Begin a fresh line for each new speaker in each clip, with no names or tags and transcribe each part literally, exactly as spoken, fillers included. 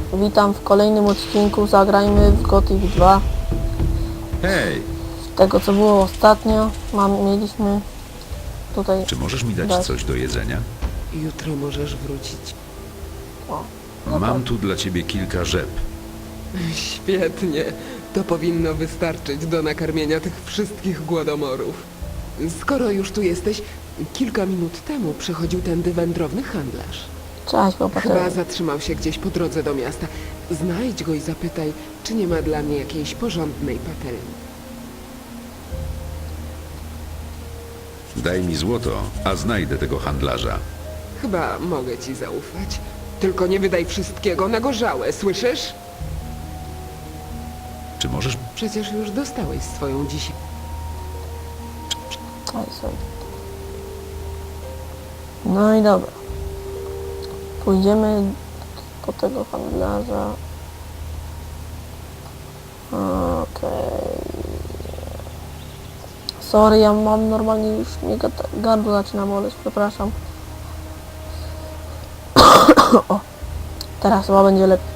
witam w kolejnym odcinku. Zagrajmy w Gothic dwa.
Hej,
Z tego co było ostatnio, mam, mieliśmy tutaj...
czy możesz mi dać
dać.
coś do jedzenia?
Jutro możesz wrócić.
O, no
Mam
tak.
tu dla ciebie kilka rzep.
Świetnie. To powinno wystarczyć do nakarmienia tych wszystkich głodomorów. Skoro już tu jesteś, kilka minut temu przychodził tędy wędrowny handlarz.
Cześć, chłopaki.
Chyba zatrzymał się gdzieś po drodze do miasta. Znajdź go i zapytaj, czy nie ma dla mnie jakiejś porządnej patelni.
Daj mi złoto, a znajdę tego handlarza.
Chyba mogę ci zaufać. Tylko nie wydaj wszystkiego na gorzałe, słyszysz?
Czy możesz...
Przecież już dostałeś swoją dzisiaj.
Oj, sorry. No i dobra. Pójdziemy po tego handlarza. Okej. Sorry, ja mam normalnie już mnie gad- gardło zaczyna boleć, przepraszam. O, teraz chyba będzie lepiej.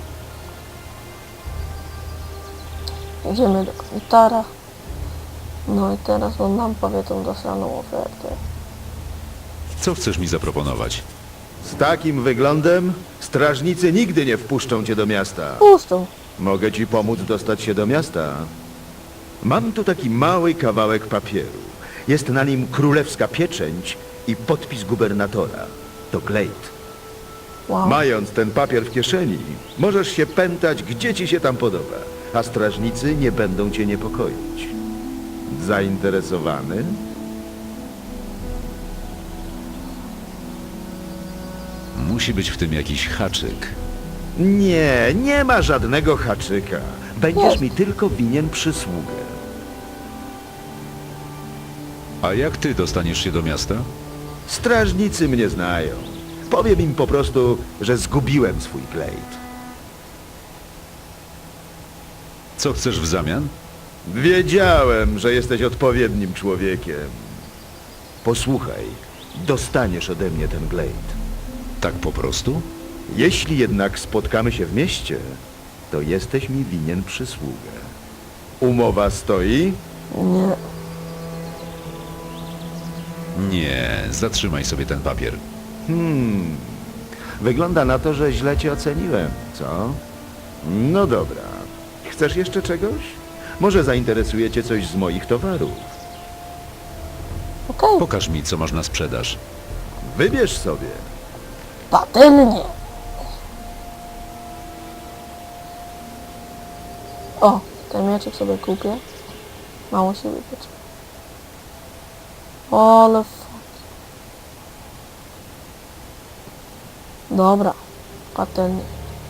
Idziemy do komitara. No i teraz on nam powie tą dostaną ofertę.
Co chcesz mi zaproponować?
Z takim wyglądem strażnicy nigdy nie wpuszczą cię do miasta.
Puszczą.
Mogę ci pomóc dostać się do miasta. Mam tu taki mały kawałek papieru. Jest na nim królewska pieczęć i podpis gubernatora. To glejt.
Wow.
Mając ten papier w kieszeni, możesz się pętać, gdzie ci się tam podoba, a strażnicy nie będą cię niepokoić. Zainteresowany?
Musi być w tym jakiś haczyk.
Nie, nie ma żadnego haczyka. Będziesz
Jest.
mi tylko winien przysługę.
A jak ty dostaniesz się do miasta?
Strażnicy mnie znają. Powiem im po prostu, że zgubiłem swój glejt.
Co chcesz w zamian?
Wiedziałem, że jesteś odpowiednim człowiekiem. Posłuchaj, dostaniesz ode mnie ten glejt.
Tak po prostu?
Jeśli jednak spotkamy się w mieście, to jesteś mi winien przysługę. Umowa stoi?
Nie.
Nie, zatrzymaj sobie ten papier.
Hmm, wygląda na to, że źle cię oceniłem, co? No dobra. Chcesz jeszcze czegoś? Może zainteresuje cię coś z moich towarów.
Okej.
Pokaż mi, co masz na sprzedaż.
Wybierz sobie.
Patelnie. O, ten mieczek sobie kupię. Mało się wypieć. Ale fuck. Dobra. Patelnie.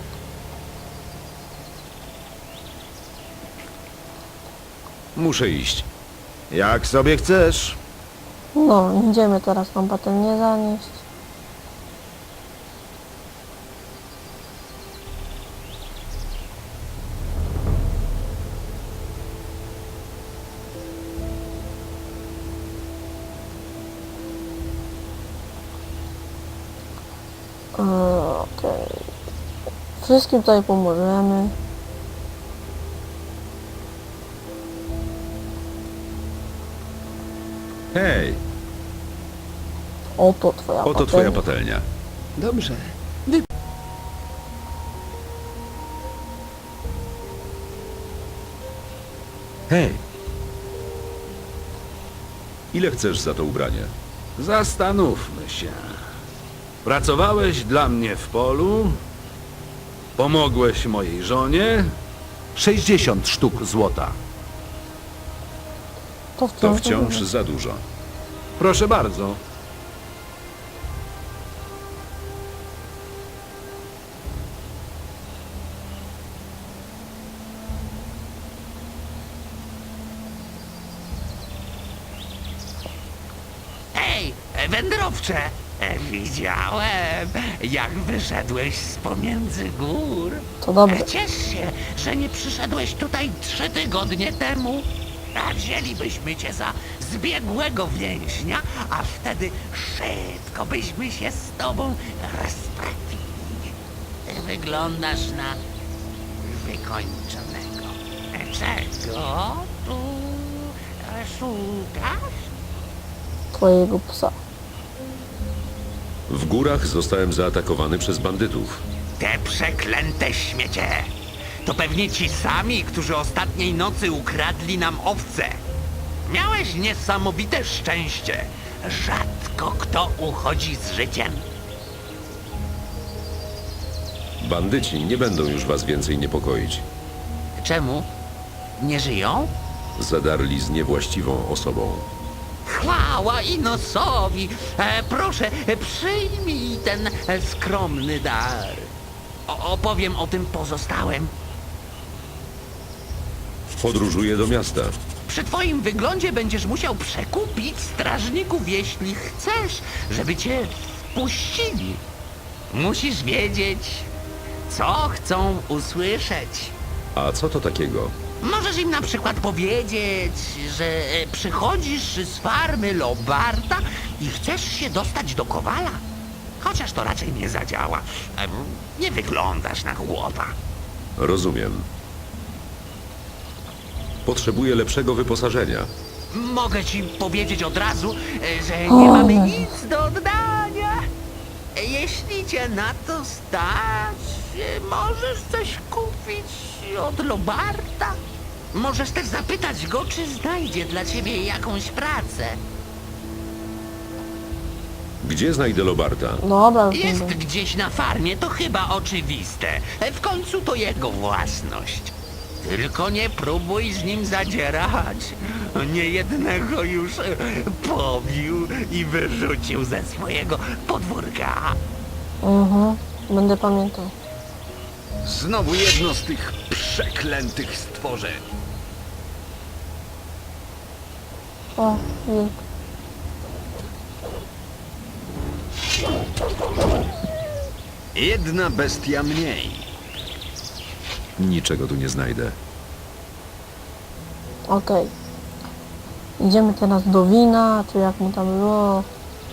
Muszę iść.
Jak sobie chcesz.
No, idziemy teraz tą patelnię zanieść. Eee, Okej. Wszystkim tutaj pomożemy.
Hej,
Oto twoja
oto
patelnia.
twoja patelnia.
Dobrze.
Hej! Ile chcesz za to ubranie?
Zastanówmy się. Pracowałeś dla mnie w polu, pomogłeś mojej żonie. sześćdziesiąt sztuk złota.
To
To
wciąż,
wciąż za dużo.
Proszę bardzo.
Ej, wędrowcze! E, Widziałem, jak wyszedłeś z pomiędzy gór.
To dobre.
E, Ciesz się, że nie przyszedłeś tutaj trzy tygodnie temu. A wzięlibyśmy cię za zbiegłego więźnia, a wtedy szybko byśmy się z tobą rozprawili. wyglądasz na wykończonego. Czego tu szukasz?
Twojego psa.
W górach zostałem zaatakowany przez bandytów.
Te przeklęte śmiecie! To pewnie ci sami, którzy ostatniej nocy ukradli nam owce. Miałeś niesamowite szczęście. Rzadko kto uchodzi z życiem.
Bandyci nie będą już was więcej niepokoić.
Czemu? Nie żyją?
Zadarli z niewłaściwą osobą.
Chwała Inosowi! E, proszę, e, przyjmij ten e, skromny dar. O, opowiem o tym pozostałym.
Podróżuję do miasta.
Przy twoim wyglądzie będziesz musiał przekupić strażników, jeśli chcesz, żeby cię wpuścili. Musisz wiedzieć, co chcą usłyszeć.
A co to takiego?
Możesz im na przykład powiedzieć, że e, przychodzisz z farmy Lobarta i chcesz się dostać do Kowala. Chociaż to raczej nie zadziała. Em, Nie wyglądasz na chłopa.
Rozumiem. Potrzebuję lepszego wyposażenia.
Mogę ci powiedzieć od razu, e, że nie mamy nic do oddania. E, Jeśli cię na to stać, e, możesz coś kupić od Lobarta. Możesz też zapytać go, czy znajdzie dla ciebie jakąś pracę.
Gdzie znajdę Lobarta?
Dobra, już nie
Jest
będę.
gdzieś na farmie, to chyba oczywiste. E, W końcu to jego własność. Tylko nie próbuj z nim zadzierać. Niejednego już e, pobił i wyrzucił ze swojego podwórka.
Mhm, będę pamiętał.
Znowu jedno z tych przeklętych stworzeń.
O, wilk.
Jedna bestia mniej.
Niczego tu nie znajdę.
Okej. Idziemy teraz do wina, czy jak mu tam było.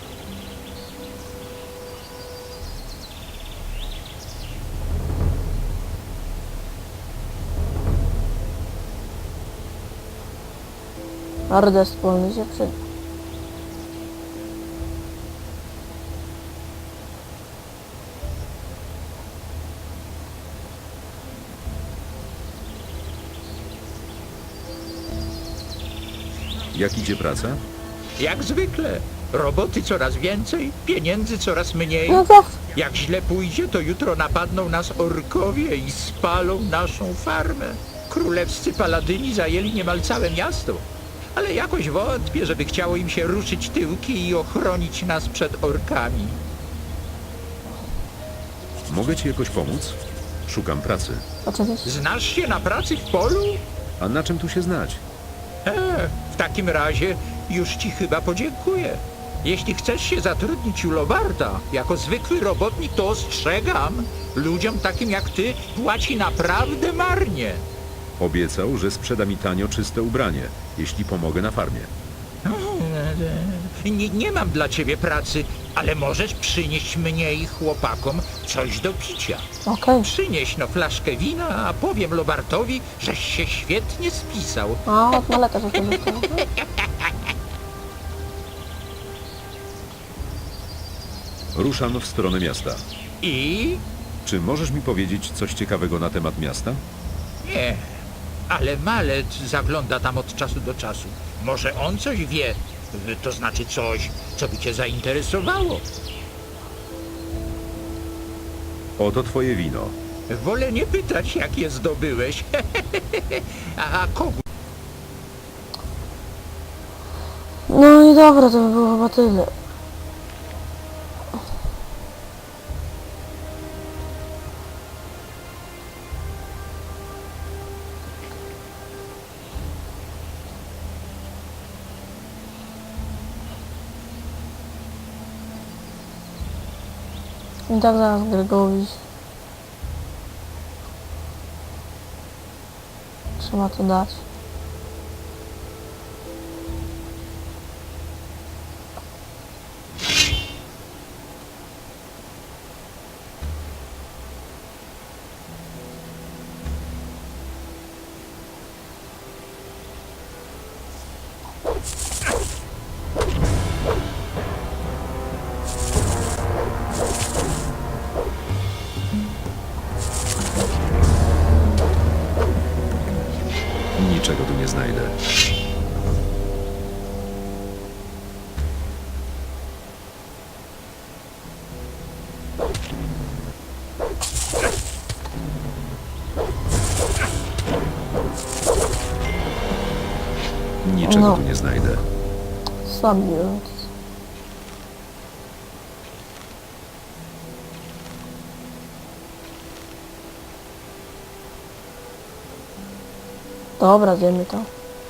Ardę wspólny się przyda.
Jak idzie praca?
Jak zwykle. Roboty coraz więcej, pieniędzy coraz mniej.
No to
Jak źle pójdzie, to jutro napadną nas orkowie i spalą naszą farmę. Królewscy paladyni zajęli niemal całe miasto. Ale jakoś wątpię, żeby chciało im się ruszyć tyłki i ochronić nas przed orkami.
Mogę ci jakoś pomóc? Szukam pracy.
oczywiście.
Znasz się na pracy w polu?
A na czym tu się znać?
E, w takim razie już ci chyba podziękuję. Jeśli chcesz się zatrudnić u Lobarta jako zwykły robotnik, to ostrzegam. Ludziom takim jak ty płaci naprawdę marnie.
Obiecał, że sprzeda mi tanio czyste ubranie, jeśli pomogę na farmie.
Nie, nie mam dla ciebie pracy, ale możesz przynieść mnie i chłopakom coś do picia.
Okej.
Przynieś no flaszkę wina, a powiem Lobartowi, żeś się świetnie spisał.
A, od maleka się korzystał.
Ruszam w stronę miasta.
I?
Czy możesz mi powiedzieć coś ciekawego na temat miasta?
Nie, ale Malec zagląda tam od czasu do czasu. Może on coś wie, to znaczy coś, co by cię zainteresowało.
Oto twoje wino.
Wolę nie pytać, jak je zdobyłeś. a, a kogo?
No i dobra, to by było chyba tyle. I tak zaraz Gregowicz. Trzeba to dać.
Niczego tu nie znajdę. Niczego
No.
tu nie znajdę.
Słabiąc. Dobra, zjemy to.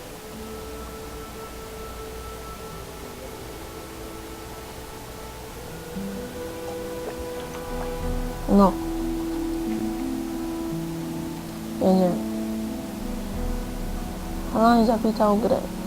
No. Ja nie wiem. Ona mi zapytał grę.